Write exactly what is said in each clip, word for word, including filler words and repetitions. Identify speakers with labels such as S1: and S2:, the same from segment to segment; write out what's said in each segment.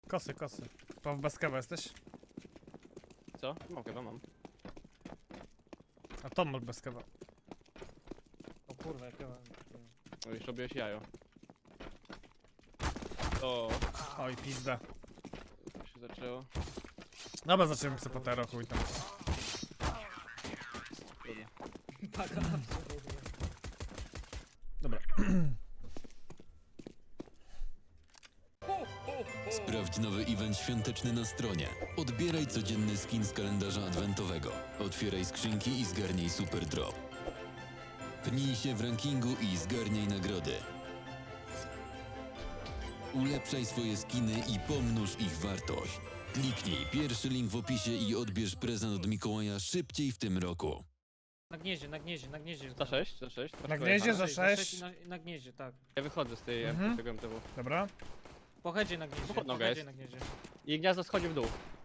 S1: Kosy, kosy. Po bez kawa jesteś?
S2: Co? Mam chyba, mam.
S1: A to masz bez kawa.
S3: O kurwa, jak ja mam...
S2: No już robiłeś jajo. O,
S1: Oj, pizda.
S2: to się zaczęło.
S1: Dobra, zaczniemy sobie po tero, chuj tam.
S2: Trudno.
S3: Paka.
S1: Dobra.
S4: Sprawdź nowy event świąteczny na stronie. Odbieraj codzienny skin z kalendarza adwentowego. Otwieraj skrzynki i zgarnij super drop. Pnij się w rankingu i zgarnij nagrody. Ulepszaj swoje skiny i pomnóż ich wartość. Kliknij pierwszy link w opisie i odbierz prezent od Mikołaja szybciej w tym roku.
S3: Na gnieździe, na gnieździe, na gnieździe.
S2: Za sześć, za sześć.
S1: Na gnieździe za
S3: Za
S1: sześć.
S3: i na, na gnieździe, tak.
S2: Ja wychodzę z tej
S1: Mhm.
S2: mhm. tego M T W.
S1: Dobra.
S3: Po headzie na gnieździe,
S2: Pod
S3: po
S2: nogę
S3: headzie
S2: jest.
S3: na gnieździe.
S2: I gniazdo schodzi w dół.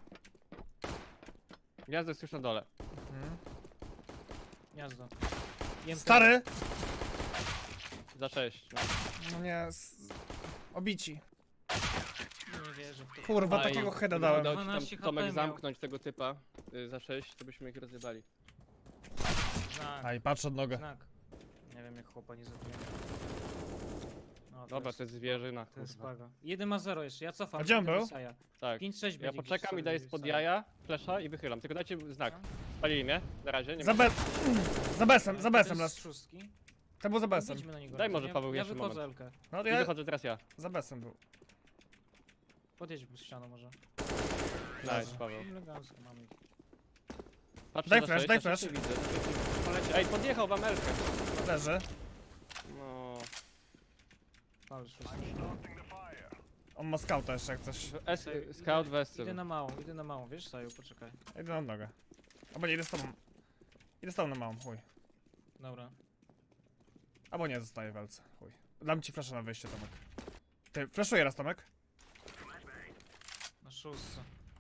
S2: Gniazdo jest już na dole.
S1: Mhm.
S3: Gniazdo. Jem
S1: Stary!
S2: Za sześć. No.
S1: No nie, s... obici.
S3: Nie wierzę w to.
S1: Kurwa,
S2: A,
S1: takiego
S2: i-
S1: heada
S2: i
S1: dałem.
S2: Udało ci
S3: dwanaście
S2: tam, Tomek
S3: H P miał.
S2: zamknąć tego typa y, za sześć, to byśmy ich rozjebali.
S3: Znak,
S1: Aj, patrz od nogę.
S3: znak. Nie wiem jak chłopa nie zabiłem. No,
S2: Dobra, to jest zwierzyna,
S3: To jest
S2: kurwa.
S3: spaga. jeden ma zero jeszcze, ja cofam.
S1: A gdzie on
S3: idę do
S1: był?
S3: Saja.
S2: Tak.
S3: pięć sześć
S2: Ja
S3: będzie
S2: poczekam
S3: gdzieś
S2: i daję
S3: sobie
S2: spod
S3: Saja.
S2: jaja, flesza i wychylam. Tylko dajcie znak. Spalili mnie, na razie, nie
S1: Za
S2: ma.
S1: be... Za besem,
S3: To
S1: za
S3: jest
S1: besem raz.
S3: szóstki.
S1: To był za besem.
S3: Idźmy na niego.
S2: Daj może,
S3: ja,
S2: Paweł,
S3: ja
S2: jeszcze
S3: wychodzę
S2: moment.
S3: Elkę.
S1: No
S2: I
S1: ja...
S2: wychodzę teraz ja.
S1: Za besem był.
S3: Podjedź pod ścianą może.
S2: Nice, Paweł.
S3: Elegancko mamy ich.
S2: Patrzcie
S1: Daj
S2: za
S1: flash,
S2: sześć,
S1: daj
S2: na
S1: flash.
S2: sześć widzę. Ej, podjechał wam Elkę.
S1: Leży.
S2: No.
S3: Ale szóstki.
S1: On ma scouta jeszcze jak coś.
S2: W S, scout w S.
S3: Idę na małą, idę na małą, wiesz Saju, poczekaj.
S1: Idę na nogę. Albo nie, idę z tobą. Idę z tobą na małą, chuj.
S3: Dobra.
S1: Albo nie, zostaję w walce, chuj. Dam ci flasza na wyjście, Tomek. Ty, flaszuję raz, Tomek.
S3: Na szóstce.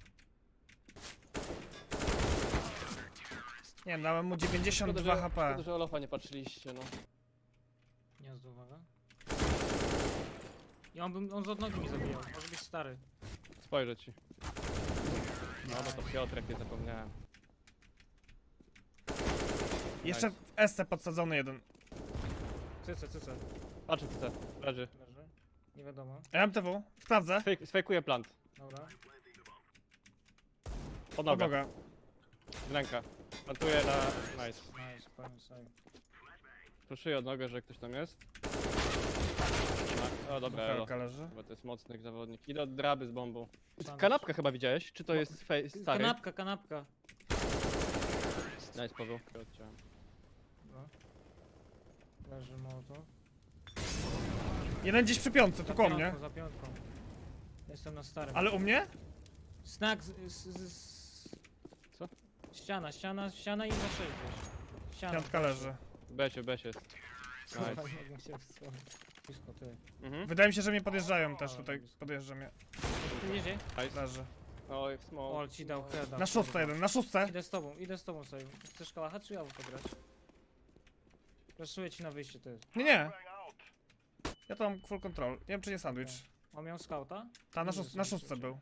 S1: Nie, dałem mu dziewięćdziesiąt
S2: Szkoda,
S1: dwa
S2: że,
S1: HP.
S2: szkoda, że Olofa nie patrzyliście, no.
S3: Gniazdo, uwaga. I on, bym, on z od nogi mi zabijał, może być stary.
S2: Spojrzę ci. No, no to Piotrek, nie zapomniałem.
S1: Jeszcze w S C podsadzony jeden.
S3: Cyce, cyce.
S2: Patrzę co leży.
S3: Leży. Nie wiadomo.
S1: M T W, sprawdzę.
S2: Fake, sfejkuję plant.
S3: Dobra.
S2: Pod nogę.
S1: Pomogę.
S2: Ręka. Plantuję na... Nice.
S3: Nice, pełny Saju.
S2: Proszuję od nogę, że ktoś tam jest. No, o dobra, elo.
S1: Buchelka leży.
S2: Bo to jest mocny zawodnik. Idę od draby z bombą.
S3: Sandwich.
S2: Kanapkę chyba widziałeś? Czy to jest fej, stary?
S3: Kanapka, kanapka.
S2: Nice, Paweł. Odciąłem.
S3: Dobra. Leży moto.
S1: Jeden gdzieś przy piątce, tu koło mnie.
S3: Za piątką. Jestem na starym.
S1: Ale u mnie?
S3: Znak z, z, z...
S2: Co?
S3: Ściana, ściana, ściana i za sześć gdzieś. Ściana.
S1: Piątka leży.
S2: Besie, besie jest.
S3: Kurwa,
S2: Nice.
S3: nie mogę się wsłonić. Blisko, ty.
S2: Mhm.
S1: Wydaje mi się, że mnie podjeżdżają też tutaj. Podjeżdża mnie.
S3: Tu jedzie?
S2: Nice.
S1: Leży.
S2: Oj, small.
S3: Ol ci dał heada.
S1: Na szóstce
S3: kurwa.
S1: jeden, na szóstce.
S3: Idę z tobą, idę z tobą sobie. Chcesz kałacha czy ja pograć? Raszuję ci na wyjście, ty.
S1: Nie, nie. Ja to mam full control. Nie wiem, czy nie sandwich.
S3: On miał skauta?
S1: Ta, na,
S3: Nie
S1: szóst
S3: wiem,
S1: na
S3: co
S1: szóstce
S3: się-
S1: był.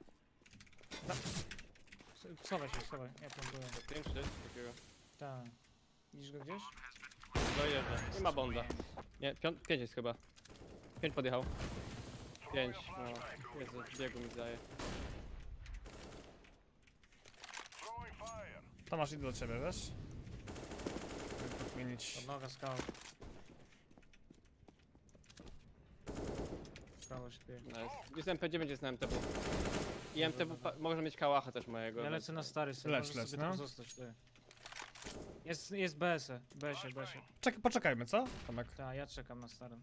S3: S- Schowaj się, schowaj. Ja tam byłem.
S2: Pięć, sześć, takiego.
S3: Tak. Widzisz go gdzieś?
S2: Dojeżdża. Nie ma bonda. Nie, piąt, pięć jest chyba. Pięć podjechał. Pięć, no. Jezu, biegu mi zdaje.
S1: Tomasz, idę do ciebie, wiesz? Żeby podmienić.
S3: Od noga skaut. Skało śpiewa.
S2: Nice. Jest M P dziewięć, jest na M T W. I M T W pa- może mieć kałacha też mojego.
S3: Ja
S2: więc-
S3: lecę na stary sobie,
S1: Leć,
S3: możesz
S1: leć,
S3: sobie
S1: no.
S3: tam zostać, ty. Jest, jest B S, B S, B S.
S1: Czek poczekajmy, co? Tomek.
S3: Tak, ja czekam na starym.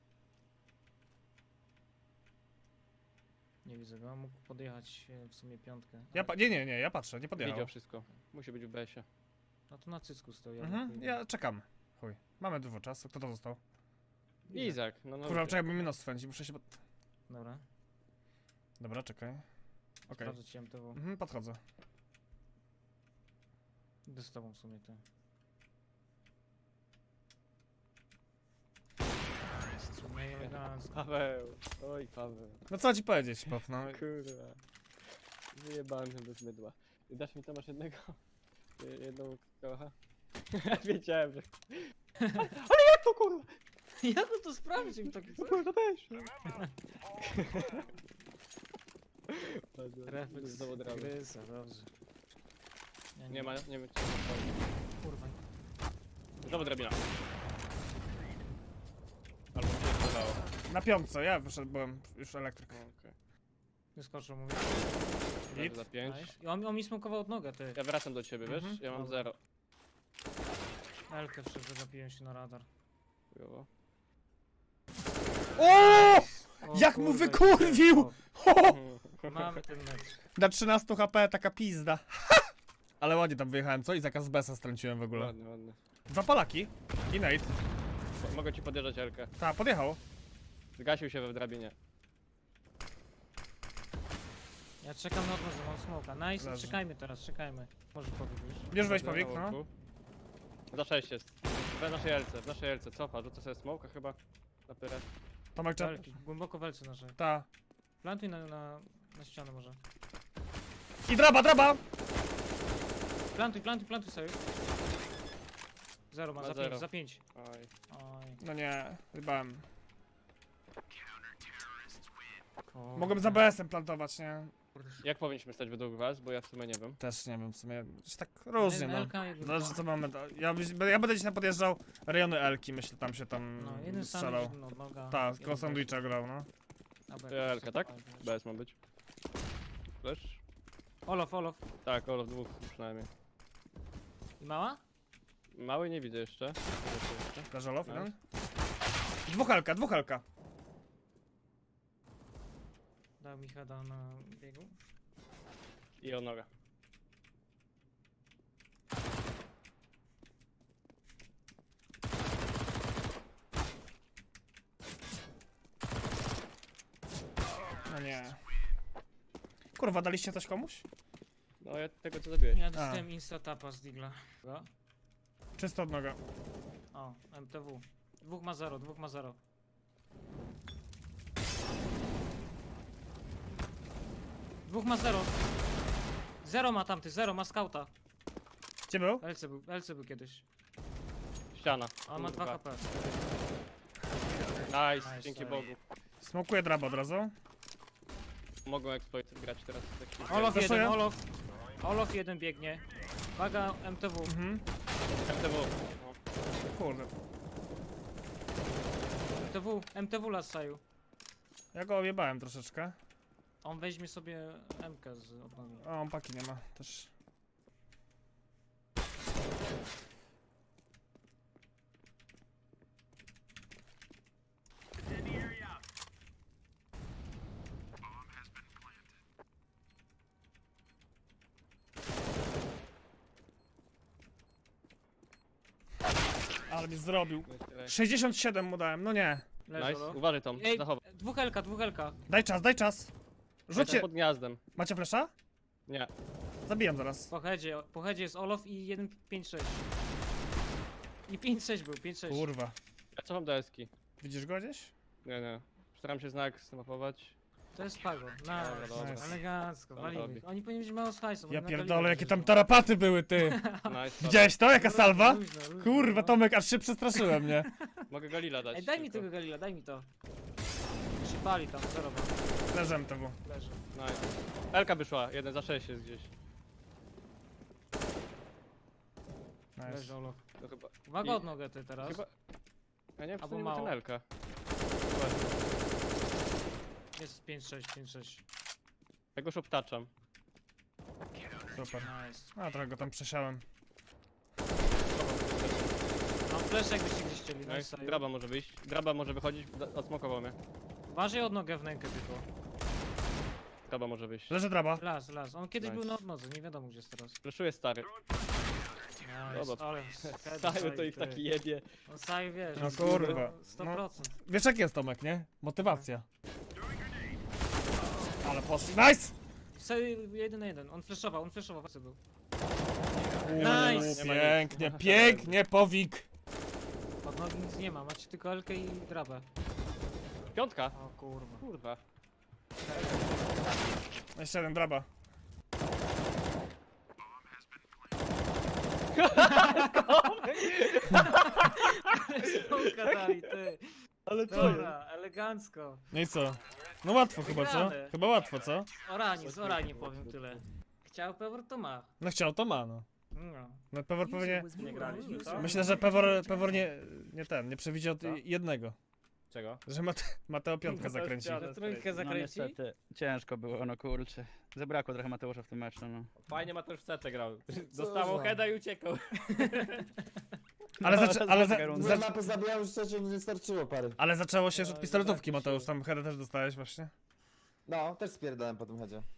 S3: Nie widzę go, mógł podjechać e, w sumie piątkę.
S1: Ja
S3: ale-
S1: pa nie, nie, nie, ja patrzę, nie podjechał.
S2: Widział wszystko. Musi być w B S ie.
S3: No to na cycku stoi. ja
S1: Mhm,
S3: blokuję.
S1: ja czekam. Chuj. Mamy dużo czasu. Kto to został?
S2: Izak, no no.
S1: Kurwa, czekaj, bo mi nos swędzi, muszę się... pod-
S3: Dobra,
S1: Dobra, czekaj. Okej.
S3: sprawdzę ci M T W.
S1: Mhm, podchodzę.
S3: Idę z tobą w sumie, ty. No i elegancko.
S2: Paweł. Oj, Paweł.
S1: No co ci powiedzieć, Pof, no.
S2: Kurwa. Wyjebałem się bez mydła. I dasz mi Tomasz jednego? Je- Jedną kocha? Wiedziałem, że... Ale jak to kurwa?
S3: Jak on to sprawdził? Tak
S2: To kurwa też.
S3: refleks
S2: Znowu drogę.
S3: gryza, dobrze. Ja
S2: Nie ma, nie wiem czy...
S3: Kurwa.
S2: Znowu drabina. Albo mi się zdawało.
S1: Na piątce, ja wyszedłem już elektryk.
S2: Okej.
S3: Wyskoczył, mówię.
S2: Leży za pięć.
S3: Nice. I on, on mi smokował od nogę, ty.
S2: Ja wracam do ciebie, wiesz?
S3: Mhm.
S2: Ja mam
S3: Dobra.
S2: zero.
S3: Elkę wszedł, zagapiłem się na radar.
S2: Chujowo.
S1: O!
S3: O
S1: Jak mu
S3: kurwa,
S1: wykurwił!
S3: o,
S1: Ho!
S3: Mamy ten mecz.
S1: Na trzynaście H P taka pizda. Ale ładnie tam wyjechałem, co? I zakaz besa strąciłem w ogóle.
S2: Ładny, ładny.
S1: Dwa Polaki. I Nate.
S2: Mo- Mogę ci podjeżdżać Elkę.
S1: Ta, podjechał.
S2: Zgasił się we drabinie.
S3: Ja czekam na odmowę, mam smoka. Nice,
S1: Leży.
S3: czekajmy teraz, czekajmy. Może powiedz już.
S1: Bierz weź
S2: Na
S1: powiek, no.
S2: łąku. Za sześć jest. W naszej Elce, w naszej Elce. Cofa, rzucę sobie smoka chyba. Na pyrę.
S1: Tomek, czep.
S3: Elki, głęboko w Elce naszej.
S1: Ta.
S3: Plantuj na, na, na ścianę może.
S1: I draba, draba!
S3: Plantuj, plantuj, plantuj sobie. Zero ma,
S2: Ma
S3: za
S2: zero.
S3: pięć, za pięć.
S2: Oj.
S3: Oj.
S1: No nie, rybałem.
S3: Kurde.
S1: Mogłem za B S-em plantować, nie?
S2: Jak powinniśmy stać według was? Bo ja w sumie nie wiem.
S1: Też nie wiem, w sumie, że tak różnie, no.
S3: Elka, jeden
S1: Zależy co mamy, ja, byś- ja będę dzisiaj podjeżdżał rejony Elki, myślę, tam się tam
S3: No, jeden
S1: strzelał.
S3: sandwich, no, noga.
S1: Tak,
S3: jeden
S1: koło sandwicha grał, no.
S3: Albo
S2: To
S3: jakoś
S2: Elka, tak?
S3: sobie wiesz.
S2: Bez ma być. Flash?
S3: Olof, Olof.
S2: Tak, Olof dwóch przynajmniej.
S3: I mała?
S2: Mały nie widzę jeszcze. Nie widzę jeszcze.
S1: Leżalow,
S2: No.
S1: jeden. Dwóch Elka, dwóch Elka.
S3: Dał mi heada na biegu.
S2: I o noga.
S1: No nie. Kurwa, daliście coś komuś?
S2: No ja tego co zabiłeś.
S3: Ja dostałem insta tapa z digla. Go.
S1: Czysto od noga.
S3: O, M T W. Dwóch ma zero, dwóch ma zero. Dwóch ma zero. Zero ma tamty, zero ma skauta.
S1: Gdzie był?
S3: L C był, L C był kiedyś.
S2: Ściana.
S3: A on ma dwa
S2: Kurwa.
S3: H P.
S2: Nice,
S3: Nice,
S2: dzięki
S3: sorry.
S2: Bogu.
S1: Smokuję draba od razu.
S2: Mogą exploit grać teraz. Tak
S3: Olof
S1: Zaszuję.
S3: jeden, Olof. Olof jeden biegnie. Waga M T W.
S1: Mhm.
S2: M T W. No.
S1: Kurde.
S3: M T W, M T W lasaju.
S1: Ja go objebałem troszeczkę.
S3: On weźmie sobie M K z odnogi.
S1: O, on paki nie ma też. Ale mi zrobił. sześćdziesiąt siedem mu dałem, no nie.
S3: Leży
S2: Nice,
S3: Olof.
S2: uważaj Tom,
S3: Ej,
S2: zachowaj.
S3: dwóch Elka, dwóch Elka.
S1: Daj czas, daj czas.
S2: Rzucie
S1: Rzućcie.
S2: pod gniazdem.
S1: Macie flesza?
S2: Nie.
S1: Zabijam zaraz.
S3: Po headzie, po headzie jest Olof i jeden pięć sześć. I pięć sześć był, pięć sześć.
S1: Kurwa.
S2: Ja cofam do eski.
S1: Widzisz go gdzieś?
S2: Nie, nie. Staram się znak zmapować.
S3: To jest Pago.
S2: Dobra,
S3: Nice.
S2: dobra.
S3: Elegancko,
S2: Dobra,
S3: walimy.
S2: robi.
S3: Oni powinni mieć mało slajsów.
S1: Ja
S3: oni na
S1: pierdolę,
S3: Galilę
S1: jakie tam
S3: wjeżdżają.
S1: tarapaty były, ty.
S2: Nice.
S1: Widziałeś to? Jaka salwa?
S3: Luźno, luźno,
S1: Kurwa,
S3: no.
S1: Tomek, aż się przestraszyłem, nie?
S2: Mogę Galila dać.
S3: Ej, daj mi
S2: tylko.
S3: tego Galila, daj mi to. Się pali tam, zero ma.
S1: Leżem to było.
S3: Leży.
S2: Nice. Elka wyszła, jeden za sześć jest gdzieś.
S1: Nice.
S3: Leży Olof.
S2: To chyba.
S3: Uwaga
S2: I-
S3: od nogę ty teraz.
S2: Chyba. Ja nie wiem, czy
S3: Albo
S2: to nie był ten
S3: mało.
S2: Elka.
S3: Jest pięć sześć, pięć sześć.
S2: Ja go szoptaczam.
S1: Super.
S3: Nice.
S1: A, trochę go tam przesiałem.
S3: Mam flash jakbyście gdzieś chcieli.
S2: Nice.
S3: Nice.
S2: Draba może wyjść. Draba może wychodzić, da- odsmokował mnie.
S3: Uważaj od nogę w nękę tylko.
S2: Draba może wyjść.
S1: Leży draba.
S3: Las, las. On kiedyś
S2: Nice.
S3: był na odnodze, nie wiadomo gdzie jest teraz.
S2: Fleszuje stary.
S3: Nice.
S2: Dobra.
S3: Ale
S2: Stały to ich taki jebie.
S3: On Saju wiesz.
S1: No
S3: jest
S1: kurwa.
S3: sto procent.
S1: Wiesz jak jest, Tomek, nie? Motywacja. Ale poszli. Nice!
S3: Saju jeden na jeden. On flashował, on flashował. Co był?
S1: Uuu,
S3: Nice.
S1: pięknie, pięknie, powik.
S3: Od nogi nic nie ma, macie tylko Elkę i drabę.
S2: Piątka.
S3: O kurwa.
S2: Kurwa.
S1: Jeszcze jeden draba.
S3: Smoka dali, ty.
S2: Ale co jest?
S3: Dobra, elegancko.
S1: No i co? No łatwo chyba, co?
S3: Wygrane.
S1: Chyba łatwo, co?
S3: Oranie, z oranie powiem tyle. Chciał Pewor, to ma.
S1: No chciał, to ma, no.
S3: No.
S1: No Pewor pewnie...
S2: Nie graliśmy, co?
S1: Myślę, że Pewor, Pewor nie, nie ten, nie przewidział
S2: Co?
S1: jednego.
S2: Czego?
S1: Że Mate, Mateo piątkę
S2: Mateo
S1: zakręci.
S2: ścianę.
S3: Że trójkę
S5: No
S3: zakręci?
S5: niestety, ciężko było, no kurczę. Zabrakło trochę Mateusza w tym meczu, no.
S2: Fajnie Mateusz w setę grał.
S6: Co
S2: Dostawał
S6: za-
S2: heada i uciekał.
S1: Ale,
S5: No,
S1: zaczę,
S5: to
S1: ale,
S5: jest
S1: za,
S5: taka
S6: Dwie
S1: za,
S6: mapy zabijał, już trzecią nie starczyło pary.
S1: ale zaczęło się już od
S2: No,
S1: pistoletówki,
S2: zobaczcie.
S1: Mateusz. Tam headę też dostałeś właśnie.
S6: No, też spierdałem po tym chodzie.